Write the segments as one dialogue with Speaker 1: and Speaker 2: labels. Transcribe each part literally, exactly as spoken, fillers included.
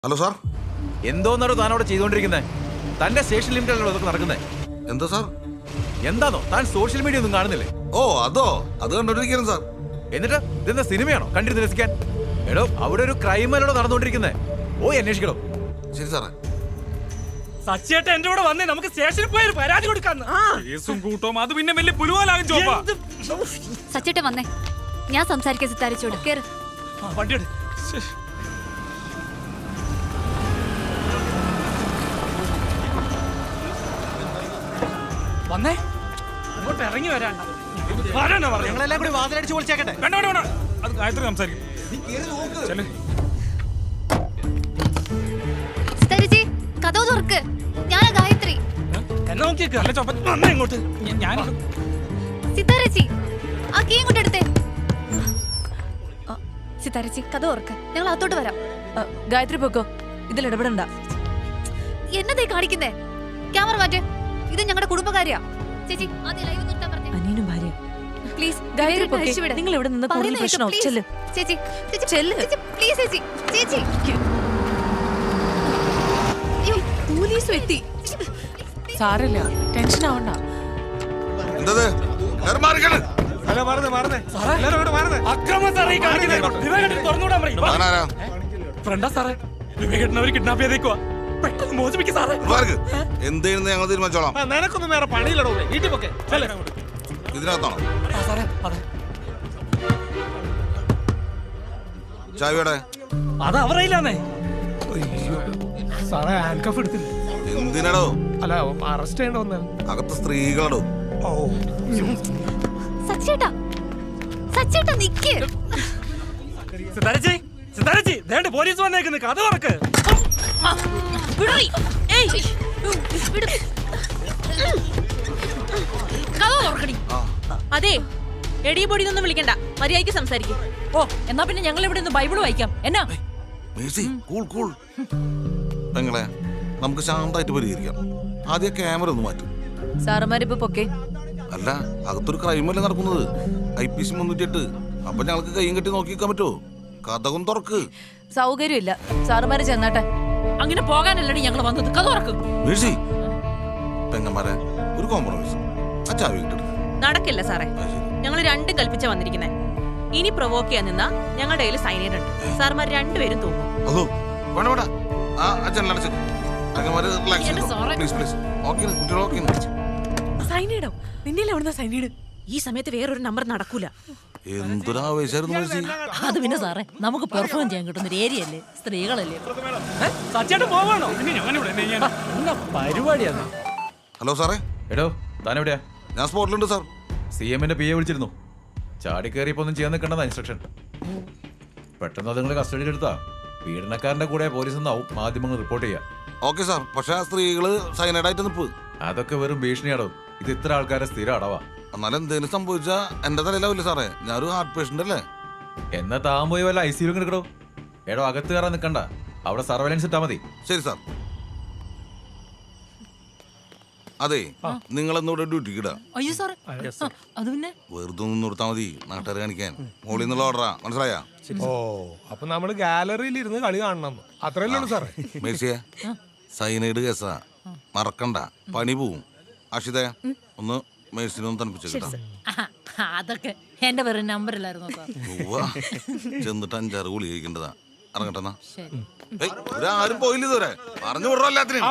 Speaker 1: Hello sir.
Speaker 2: എന്തോന്നാണോ താനോട് ചെയ്തുകൊണ്ടിരിക്കുന്നത്? തന്റെ station ലിമിറ്റിലുള്ള ഇതൊക്കെ നടക്കുന്നത്
Speaker 1: എന്താ സാർ?
Speaker 2: എന്താണോ താൻ സോഷ്യൽ മീഡിയ ഒന്നും കാണുന്നില്ലേ?
Speaker 1: ഓ അതോ, അത് കണ്ടോണ്ടിരിക്കുന്നു സാർ.
Speaker 2: എന്നിട്ട് ഇതെന്താ സിനിമയാണോ കണ്ടിരുന്ന് രസിക്കാൻ? എടോ അവിടെ ഒരു ക്രൈം അല്ലോ നടന്നുകൊണ്ടിരിക്കുന്നത്. ഓ അന്വേഷിക്കണോ?
Speaker 1: ശരി സാറേ.
Speaker 3: സച്ചേട്ട എന്റെ കൂടെ വന്നേ, നമുക്ക് സ്റ്റേഷനിൽ പോയി ഒരു പരാതി കൊടുക്കാന്ന്. കേസും കൂട്ടവും അത് പിന്നെ വലിയ പുലുവാലാകും. ചോപ്പാ
Speaker 4: സച്ചേട്ട വന്നേ, ഞാൻ സംസാരിക്കാൻ സിത്താരിച്ചോട് കേറ്.
Speaker 3: വണ്ടി എടു. വന്നേ, ഇങ്ങോട്ട് ഇറങ്ങി വരാൻ
Speaker 2: ഞങ്ങളെല്ലാം കൂടി വാതിലടിച്ച് വിളിച്ചേക്കട്ടെ.
Speaker 3: വേണ്ട വേണ്ട വേണ്ട, അത് ഗായത്രി സംസാരിക്കും.
Speaker 4: സിത്താരിച്ചി കഥവ് തുറക്ക്, ഞാനാ ഗായത്രി.
Speaker 3: എന്നെ നോക്കിയേക്ക്. അല്ല ചോപ്പ വന്നേ ഇങ്ങോട്ട്. ഞാൻ
Speaker 4: സിത്താരച്ചി ആ കീ ഇങ്ങോട്ട് എടുത്തേ. സിത്താരച്ചി കഥ തുറക്ക്, ഞങ്ങൾ അകത്തോട്ട് വരാം.
Speaker 5: ഗായത്രി പൊക്കോ, ഇതിൽ ഇടപെടണ്ട.
Speaker 4: എന്നതേ കാണിക്കുന്നേ? ക്യാമറ മാറ്റ്, ഇത് ഞങ്ങളുടെ കുടുംബകാര്യാ. ചേച്ചി ആദ്യം ലൈവ് നിർത്താൻ പറഞ്ഞേ.
Speaker 5: അനിയനും ഭാര്യ
Speaker 4: പ്ലീസ്
Speaker 5: ഗായത്രി പൊക്കെ, നിങ്ങൾ ഇവിടെ നിന്ന് കൂടുതൽ പ്രശ്നമാവും. ചെല്ല്
Speaker 4: ചേച്ചി, ചേച്ചി
Speaker 5: ചെല്ല്.
Speaker 4: പ്ലീസ് ചേച്ചി, ചേച്ചി. അയ്യോ
Speaker 5: പോലീസ് എത്തി. സാരല്ല, ടെൻഷൻ ആവണ്ട.
Speaker 1: എന്തത്? എല്ലാവരും മാറിക്കണ്.
Speaker 3: അക്രമം സാറേ ഈ കാണിക്കുന്നത്. വിവേകേട്ടൻ തുറന്നുവിടാൻ പറയും.
Speaker 1: താനാരാ?
Speaker 3: ഫ്രണ്ടാ സാറേ, വിവേകേട്ടൻ അവർ കിഡ്നാപ്പ് ചെയ്തേക്കുവാ. പെട്ടെന്ന് മോചിപ്പിക്കും സാറേ.
Speaker 1: മാർക്ക്. എന്തെയ്യുന്നത് ഞങ്ങൾ തീരുമാനിച്ചോളാം.
Speaker 3: നിനക്കൊന്നും വേറെ പണിയില്ലടോ. വീട്ടിൽ പോക്കെ.
Speaker 1: ഇതിനകത്താണോ?
Speaker 3: സാറേ അതെ,
Speaker 1: ചാവിയുടെ
Speaker 3: അത് അവരയില്ലാന്നേ. സാറേ ഹാൻഡ് കഫ് എടുത്തില്ല.
Speaker 1: എന്തിനടോ?
Speaker 3: അല്ല അറസ്റ്റ് ചെയ്യേണ്ട വന്നാൽ.
Speaker 1: അകത്ത് സ്ത്രീകളടോ.
Speaker 3: ഓ
Speaker 4: സച്ചേട്ടാ, സച്ചേട്ടാ നിക്ക്.
Speaker 3: സിതാരച്ചി, സിതാരച്ചി, ദേണ്ട പോലീസ് വന്നേക്കുന്നു. കഥ തുറക്ക്.
Speaker 4: വിടറി. ഏയ് വിട്. കഥ തുറക്കടി.
Speaker 5: അതെ, എടി പൊടി ഒന്നും വിളിക്കണ്ട, മര്യാദയ്ക്ക് സംസാരിക്കും. ഓ എന്നാ പിന്നെ ഞങ്ങൾ ഇവിടെ നിന്ന് ബൈബിൾ വായിക്കാം. എന്നാ
Speaker 1: മേഴ്സി, കൂൾ കൂൾ. പെങ്ങളെ, നമുക്ക് ശാന്തമായിട്ട് പരിഹരിക്കാം. ആദ്യം ക്യാമറ ഒന്ന് മാറ്റും.
Speaker 5: സാറുമാരിപ്പോ പൊക്കെ.
Speaker 1: അല്ല, അകത്തൊരു ക്രൈമല്ലേ നടക്കുന്നത്. ഐ പി സി മുന്നൂറ്റി എട്ട്. അപ്പൊ ഞങ്ങൾക്ക് കൈയും കെട്ടി നോക്കി നിൽക്കാൻ പറ്റുമോ? കഥകും തുറക്ക്.
Speaker 5: സൗകര്യമില്ല, സാറുമാര് ചെന്നാട്ടെ. അങ്ങനെ പോകാനല്ലടി ഞങ്ങൾ വന്നത്. കഥ തുറക്കും.
Speaker 1: മേഴ്സി, പെങ്ങന്മാരെ, ഒരു കോംപ്രമൈസ്. ആ ചാവി കിട്ടും.
Speaker 6: നടക്കില്ല സാറേ, ഞങ്ങൾ രണ്ടും കൽപ്പിച്ച വന്നിരിക്കുന്നേ. ഇനി പ്രൊവോക്ക് ചെയ്യാൻ നിന്നാ ഞങ്ങളുടെ കയ്യിൽ സൈനൈഡ് ഉണ്ട്. സാർമാർ രണ്ടുപേരും തൂങ്ങും.
Speaker 1: അതോ വേണ്ട വേണ്ട. ആ അച്ഛനടച്ച് പെങ്ങന്മാര് റിലാക്സ് ചെയ്തോ. Please please. ഓക്കെ കുട്ടികൾ ഓക്കെ.
Speaker 6: സൈനൈഡോ? നിന്നെ എവിടുന്ന സൈനൈഡ്? ഈ സമയത്ത് വേറൊരു നമ്പർ നടക്കൂല.
Speaker 1: എന്തൊരാവേശായിരുന്നു മേഴ്സി.
Speaker 5: അത് പിന്നെ സാറേ, നമുക്ക് പെർഫോം ചെയ്യാൻ കിട്ടുന്ന ഒരു ഏരിയ അല്ലേ, സ്ത്രീകളല്ലേ.
Speaker 3: സച്ചേട്ടൻ പോവാണോ? പരിപാടിയാണ്.
Speaker 1: ഹലോ സാറേ.
Speaker 2: എടോ താൻ എവിടെയാ?
Speaker 1: ഞാൻ സ്പോട്ടിലുണ്ട് സാർ.
Speaker 2: സി എമ്മിന്റെ പി എ വിളിച്ചിരുന്നു. ചാടി കയറിയപ്പോ ഒന്നും ചെയ്യാൻ നിൽക്കണ്ടെന്ന ഇൻസ്ട്രക്ഷൻ. പെട്ടെന്ന് അത് നിങ്ങൾ കസ്റ്റഡിയിലെടുത്താ പീഡനക്കാരന്റെ കൂടെ പോലീസ് എന്നാവും മാധ്യമങ്ങൾ റിപ്പോർട്ട് ചെയ്യാം.
Speaker 1: Okay sir. പക്ഷെ ആ സ്ത്രീകള് സൈനൈഡായിട്ട് നിപ്പ്.
Speaker 2: അതൊക്കെ വെറും ഭീഷണിയാടോ. ഇത് ഇത്ര ആൾക്കാരെ സ്ഥിരം അടവാ.
Speaker 1: എന്നാലും എന്തെങ്കിലും സംഭവിച്ചാ എന്റെ തലയിലാവില്ലേ സാറേ? ഞാനൊരു ഹാർട്ട് പേഷ്യന്റ് അല്ലേ.
Speaker 2: എന്നാ താൻ പോയി വല്ല ഐ സിയിലും കിടക്കടോ. എടോ അകത്ത് കയറാൻ നിൽക്കണ്ട, അവിടെ സർവൈലൻസ് ഇട്ടാ മതി.
Speaker 1: ശരി സാർ. അതെ, നിങ്ങളെന്നിവിടെ ഡ്യൂട്ടിക്ക് ഇടാ.
Speaker 5: അയ്യോ സാറേ, അത് പിന്നെ
Speaker 1: വെറുതെ ഒന്ന് നിർത്താ മതി, നാട്ടുകാർ കാണിക്കാൻ. മോളിൽ നിന്നുള്ള ഓർഡറാ, മനസ്സിലായാ?
Speaker 7: ഓ അപ്പൊ നമ്മള് ഗാലറിയിൽ ഇരുന്ന് കളി കാണണം, അത്രയല്ലേ ഉള്ളൂ സാറേ.
Speaker 1: മേഴ്സിയെ, സൈനൈഡ് കേസാ, മറക്കണ്ട, പണി പോവും. അക്ഷിതേ, ഒന്ന് മേഴ്സിനൊന്ന് തണുപ്പിച്ചു കിട്ടാം.
Speaker 5: അതൊക്കെ എന്റെ പേര് നമ്പറിലായിരുന്നു.
Speaker 1: ചെന്നിട്ട് അഞ്ചാറ് ഗുളി കഴിക്കേണ്ടതാ. ഇറങ്ങട്ടെന്നാ. ആരും പോയില്ല ഇതുവരെ. പറഞ്ഞു വിടറോ എല്ലാത്തിനും.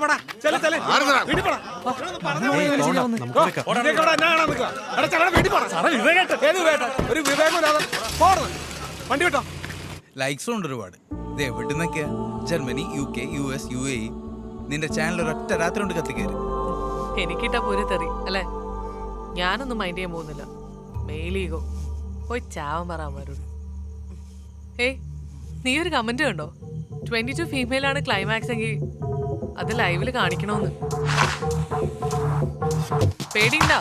Speaker 7: വണ്ടി വിട്ടോ.
Speaker 8: ലൈക്സും ഉണ്ട് ഒരുപാട്. ഇത് എവിടുന്നൊക്കെയാ? Germany, U K, U S, U A E. നിന്റെ ചാനൽ ഒരൊറ്റ രാത്രി കൊണ്ട് കത്തിക്കയറി.
Speaker 9: എനിക്കിട്ടാ പൂര തെറി അല്ലേ? ഞാനൊന്നും മൈൻഡ് ചെയ്യാൻ പോകുന്നില്ല. മെയിലീഗോ പോയി ചാവൻ പറയാമാരോട്. ഏയ്, നീ ഒരു കമന്റ് കണ്ടോ? ട്വന്റി ടു ഫീമെയിൽ ആണ് ക്ലൈമാക്സ് എങ്കിൽ അത് ലൈവില് കാണിക്കണോന്ന്. പേടിയുണ്ടാ?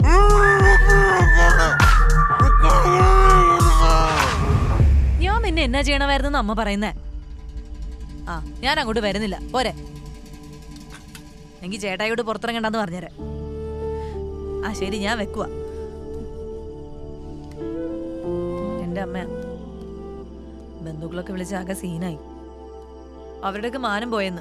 Speaker 5: ഞാൻ പിന്നെ എന്നാ ചെയ്യണമായിരുന്നു അമ്മ പറയുന്നേ. ആ ഞാൻ അങ്ങോട്ട് വരുന്നില്ല, പോരെ. എങ്കിൽ ചേട്ടായിയോട് പുറത്തിറങ്ങണ്ടെന്ന് പറഞ്ഞേരെ. ആ ശരി, ഞാൻ വെക്കുവാ. എന്റെ അമ്മ ബന്ധുക്കളൊക്കെ വിളിച്ച് ആകെ സീനായി. അവരുടെയൊക്കെ മാനം പോയെന്ന്.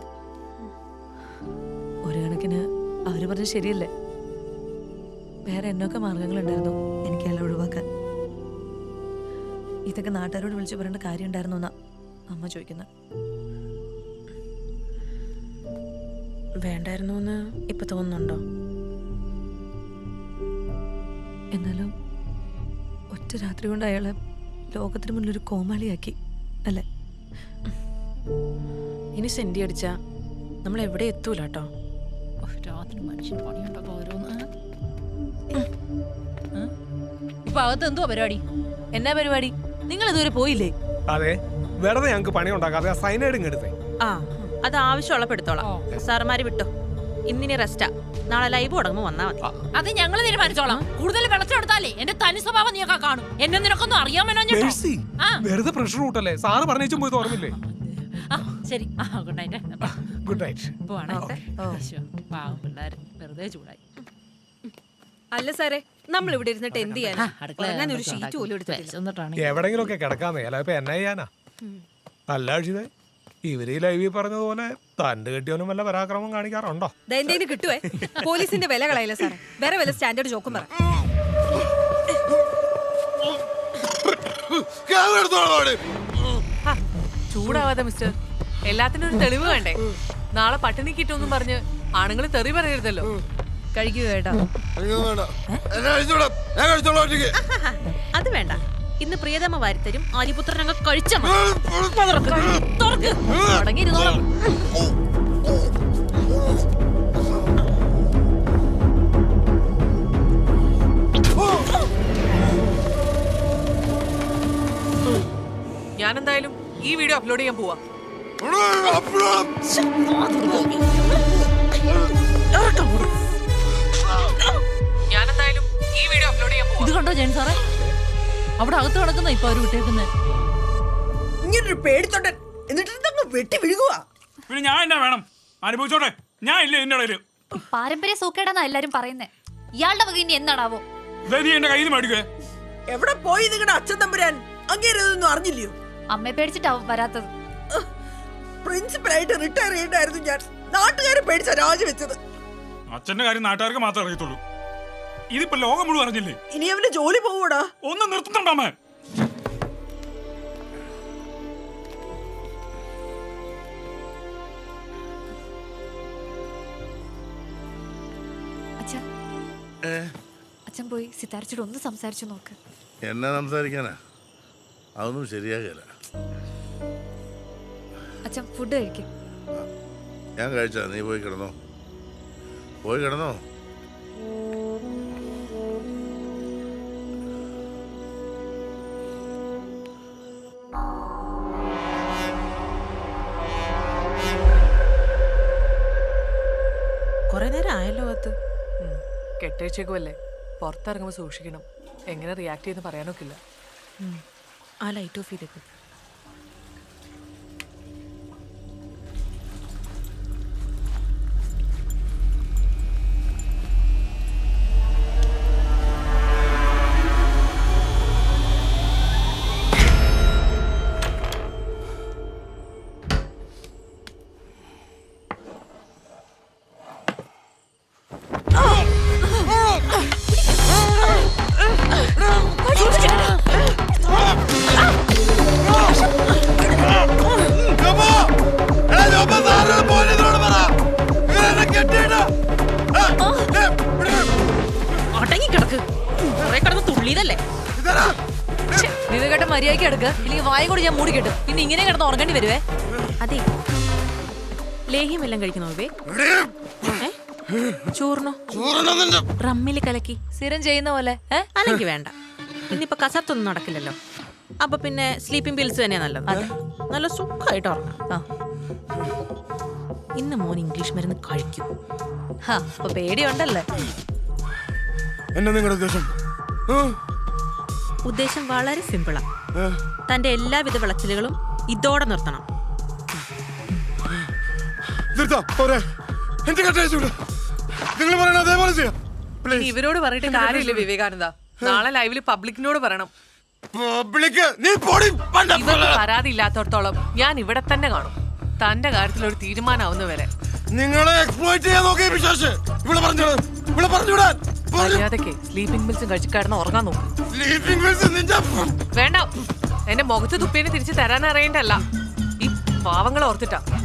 Speaker 5: ഒരു കണക്കിന് അവര് പറഞ്ഞത് ശരിയല്ലേ? വേറെ എന്നൊക്കെ മാർഗങ്ങളുണ്ടായിരുന്നു എനിക്ക് എല്ലാം ഒഴിവാക്കാൻ. ഇതൊക്കെ നാട്ടുകാരോട് വിളിച്ചു പറയേണ്ട കാര്യം ഉണ്ടായിരുന്നു എന്നാ അമ്മ ചോദിക്കുന്നത്.
Speaker 6: വേണ്ടായിരുന്നു എന്ന് ഇപ്പൊ തോന്നുന്നുണ്ടോ?
Speaker 5: എന്നാലും ഒറ്റ രാത്രി കൊണ്ട് അയാളെ ലോകത്തിന് മുന്നിൽ ഒരു കോമാളിയാക്കി അല്ലേ?
Speaker 6: ഇനി സെന്റി അടിച്ചാ നമ്മൾ എവിടെ എത്തൂല കേട്ടോ.
Speaker 4: രാത്രി മനുഷ്യൻ പണിയുണ്ടോ ഓരോന്ന്.
Speaker 5: ഇപ്പൊ അകത്ത് എന്തുവാ പരിപാടി? എന്നാ പരിപാടി? നിങ്ങൾ ഇതുവരെ പോയില്ലേ?
Speaker 7: അതെ, വെറുതെ ഞങ്ങൾക്ക് പണി ഉണ്ടാക്കാതെ സൈനൈഡ് ഇങ്ങെടുത്തേ.
Speaker 6: ആ അത് ആവശ്യമുള്ളപ്പോ എടുത്തോളാം. സാറുമാര് വിട്ടോ, ഇന്നിനി റെസ്റ്റാ. നാളെ ലൈവ് തുടങ്ങുമ്പോ വന്നാ മതി.
Speaker 5: അത് ഞങ്ങൾ തീരുമാനിച്ചോളാം. കൂടുതൽ വിളച്ചെടുത്താലേ എന്റെ തനി സ്വഭാവം നീയൊക്കെ കാണും. എന്നെ നിനക്കൊന്നും അറിയാമോ?
Speaker 7: മേഴ്സി, വെറുതെ പ്രഷർ കൂട്ടല്ലേ. സാറ് പറഞ്ഞേച്ചും പോയി ഓർമ്മില്ലേ?
Speaker 5: ശരി, ഗുഡ് നൈറ്റ്.
Speaker 7: Good night.
Speaker 5: വെറുതെ ചൂടായി.
Speaker 10: അല്ല സാറേ, നമ്മൾ ഇവിടെ ഇരുന്നിട്ട് എന്ത് ചെയ്യാനാ? ഒരു ഷീറ്റ് പോലും എടുത്തിട്ടില്ല.
Speaker 7: എവിടെങ്കിലും ഒക്കെ കിടക്കാന്നേ, അല്ല ഇപ്പൊ എന്നാ ചെയ്യാനാ? അല്ല അക്ഷിതേ, ഇവര് ഈ ലൈവിൽ പറഞ്ഞതുപോലെ തണ്ട് കെട്ടിയോനും വല്ല പരാക്രമം കാണിക്കാറുണ്ടോ?
Speaker 10: എന്തെങ്കിലും കിട്ടുവേ. പോലീസിന്റെ വില കളയില്ല സാറേ. വേറെ വല്ല സ്റ്റാൻഡേർഡ് ജോക്കും പറ.
Speaker 9: ചൂടാവാതെ മിസ്റ്റർ, എല്ലാത്തിനും ഒരു തെളിവ് വേണ്ടേ? നാളെ പട്ടിണി കിട്ടുമെന്നും പറഞ്ഞ് ആണുങ്ങൾ തെറി പറയരുതല്ലോ.
Speaker 5: കഴിക്കുക കേട്ടോ.
Speaker 6: അത് വേണ്ട. ഇന്ന് പ്രിയതമ വാരിത്തരും. ആര്യപുത്രൻ കഴിച്ച
Speaker 5: തുടങ്ങിയിരുന്നോളാം.
Speaker 9: ഞാൻ എന്തായാലും ഈ വീഡിയോ അപ്ലോഡ് ചെയ്യാൻ പോവാ. ഞാൻ എന്തായാലും ഈ വീഡിയോ അപ്ലോഡ് ചെയ്യാൻ പോവാ.
Speaker 5: ഇത് കണ്ടോ ജയൻ സാറേ? അവിടെ അകത്ത് കിടക്കുന്ന ഇപ്പൊ അവര് വിട്ടേക്കുന്നത്.
Speaker 10: ഇങ്ങനൊരു പേടിത്തൊണ്ടൻ എന്നിട്ട് വെട്ടി വിഴുകുക.
Speaker 3: പിന്നെ ഞാൻ എന്നാ വേണം? അനുഭവിച്ചോട്ടെ. ഞാൻ ഇല്ല എന്റെ ഇടയില്.
Speaker 4: പാരമ്പര്യ സൂക്കേടാന്നാ എല്ലാരും പറയുന്നേ. ഇയാളുടെ വക ഇനി എന്നാടാവോ?
Speaker 3: നീ എന്റെ കയ്യിൽ നിന്ന് മേടിക്കുക.
Speaker 10: എവിടെ പോയി നിങ്ങളുടെ അച്ഛൻ തമ്പുരാൻ? അങ്ങേരതൊന്നും അറിഞ്ഞില്ലയോ?
Speaker 4: അമ്മയെ പേടിച്ചിട്ടാവും വരാത്തത്.
Speaker 10: പ്രിൻസിപ്പലായിട്ട് റിട്ടയർ ചെയ്യണ്ടായിരുന്നു ഞാൻ. നാട്ടുകാരെ പേടിച്ച രാജിവെച്ചത്.
Speaker 3: അച്ഛന്റെ കാര്യം നാട്ടുകാർക്ക് മാത്രമേ അറിയത്തുള്ളൂ. ഇതിപ്പോ ലോകം മുഴുവൻ അറിഞ്ഞില്ലേ?
Speaker 10: ഇനി അവന്റെ ജോലി പോവൂടാ.
Speaker 3: ഒന്ന് നിർത്തുന്നുണ്ടോ?
Speaker 4: അച്ഛൻ പോയി സിതാരിച്ചോട് ഒന്ന് സംസാരിച്ചു നോക്ക്.
Speaker 1: എന്നെ സംസാരിക്കാനാ? അതൊന്നും ശരിയാകില്ല.
Speaker 4: അച്ഛൻ ഫുഡ് കഴിക്കും.
Speaker 1: ഞാൻ കഴിച്ചാ? നീ പോയി കിടന്നോ, പോയി കിടന്നോ.
Speaker 6: കൊറേ നേരം ആയല്ലോ അകത്ത്.
Speaker 9: കെട്ടേച്ചേക്കുമല്ലേ, പുറത്തിറങ്ങുമ്പോ സൂക്ഷിക്കണം. എങ്ങനെ റിയാക്ട് ചെയ്യുന്ന പറയാനൊക്കില്ല.
Speaker 6: ആ ലൈറ്റ് ഓഫ് ചെയ്തേക്കും. അടങ്ങിക്കിടക്ക്. കുറെ കിടന്ന് തുള്ളിയതല്ലേ.
Speaker 5: വിവേകേട്ടൻ മര്യാദയ്ക്ക് എടുക്ക്, ഇല്ലെങ്കിൽ വായ കൂടി ഞാൻ മൂടി കെട്ടും. പിന്നെ ഇങ്ങനെ കിടന്ന് ഉറങ്ങേണ്ടി വരുവേ.
Speaker 6: അതെ, ലേഹ്യം എല്ലാം കഴിക്കണോ വേ? ചോറിനോ? റമ്മില് കലക്കി
Speaker 5: സ്ഥിരം ചെയ്യുന്ന പോലെ.
Speaker 6: അല്ലെങ്കിൽ വേണ്ട. ഇന്നിപ്പോ കസർത്തൊന്നും നടക്കില്ലല്ലോ. അപ്പൊ പിന്നെ സ്ലീപ്പിംഗ് പിൽസ് തന്നെയാ നല്ലത്. നല്ല സുഖമായിട്ട് ഉറങ്ങാം. ഇന്ന് മോൻ ഇംഗ്ലീഷ് മരുന്ന് കഴിക്കും.
Speaker 5: അപ്പൊ പേടിയുണ്ടല്ലേ?
Speaker 1: എന്നാ നിങ്ങളുടെ ഉദ്ദേശം?
Speaker 6: ഉദ്ദേശം വളരെ സിമ്പിളാ. തന്റെ എല്ലാവിധ വിളച്ചിലുകളും ഇതോടെ നിർത്തണം.
Speaker 9: ഇവരോട് പറഞ്ഞിട്ട് കാര്യമില്ല വിവേകാനന്ദ. നാളെ ലൈവില് പബ്ലിക്കിനോട് പറയണം.
Speaker 1: നീ
Speaker 9: ഇവർക്ക് പരാതി ഇല്ലാത്തടത്തോളം ഞാൻ ഇവിടെ തന്നെ കാണും. തന്റെ കാര്യത്തിൽ ഒരു തീരുമാനമാവുന്ന വരെ
Speaker 1: നിങ്ങളെ എക്സ്പ്ലോയിറ്റ് ചെയ്യാൻ നോക്കിയ വിശ്വാസ് ഇവിടെ പറഞ്ഞു ഇവിടെ പറഞ്ഞുവിടാൻ
Speaker 9: മര്യാദക്ക് സ്ലീപ്പിംഗ് പിൽസും കഴിച്ച് കിടന്ന് ഉറങ്ങാൻ നോക്കും.
Speaker 1: സ്ലീപ്പിംഗ് പിൽസ് നിന്റെ
Speaker 9: വേണ്ട, എന്റെ മുഖത്ത് തുപ്പിനെ തിരിച്ച് തരാൻ അറിയണ്ടല്ല, ഈ പാവങ്ങളെ ഓർത്തിട്ടാ.